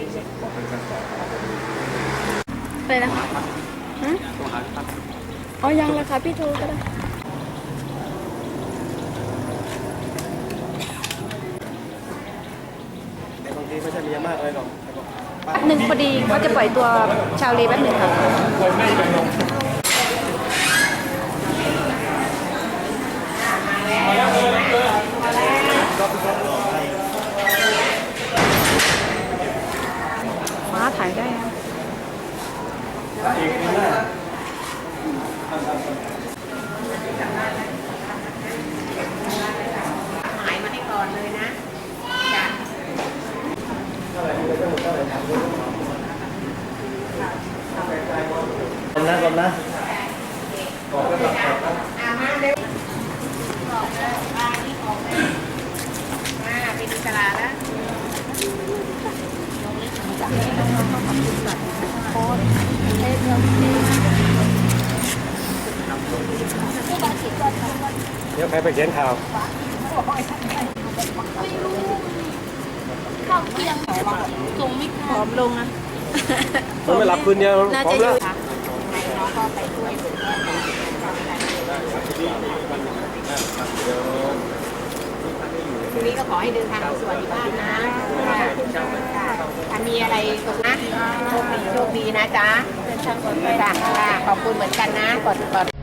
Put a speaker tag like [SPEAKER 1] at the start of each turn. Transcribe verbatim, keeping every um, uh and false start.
[SPEAKER 1] อะไรนะคะฮะอ๋อยังเลยค่ะพี่โทรก็ได้
[SPEAKER 2] บางทีไม่ใช่มีมากเลยหรอก
[SPEAKER 1] แป๊บหนึ่งพอดีเขาจะปล่อยตัวชาวเลแป๊บหนึ่งค่ะฟ้าถ่ายได้นะ
[SPEAKER 3] หมายมาให้ก่อนเลยนะจ้ะ
[SPEAKER 2] กลมนะกลมนะ
[SPEAKER 3] อามาเร็วบอกเลยมานี่ออกเลยมาเป็นอิสระแล้ว
[SPEAKER 2] เดี๋ยวใครไปเขียนข่าว
[SPEAKER 1] ผอมลงนะ
[SPEAKER 2] ผมไม่หลับคืนเดียว
[SPEAKER 1] น่า
[SPEAKER 2] พร้อ
[SPEAKER 1] จะ
[SPEAKER 2] ม
[SPEAKER 1] อ
[SPEAKER 2] แล้ว
[SPEAKER 1] ยู่ค่ะ
[SPEAKER 3] น้องก็ไปช่วยทีนี้ก็ขอให้เดินทางสวัสดิภาพนะถ้ามีอะไรตรงนะโชคดีโชคดีนะจ๊ะเดินทางปลอดภัยค่ะขอบคุณเหมือนกันนะกดกด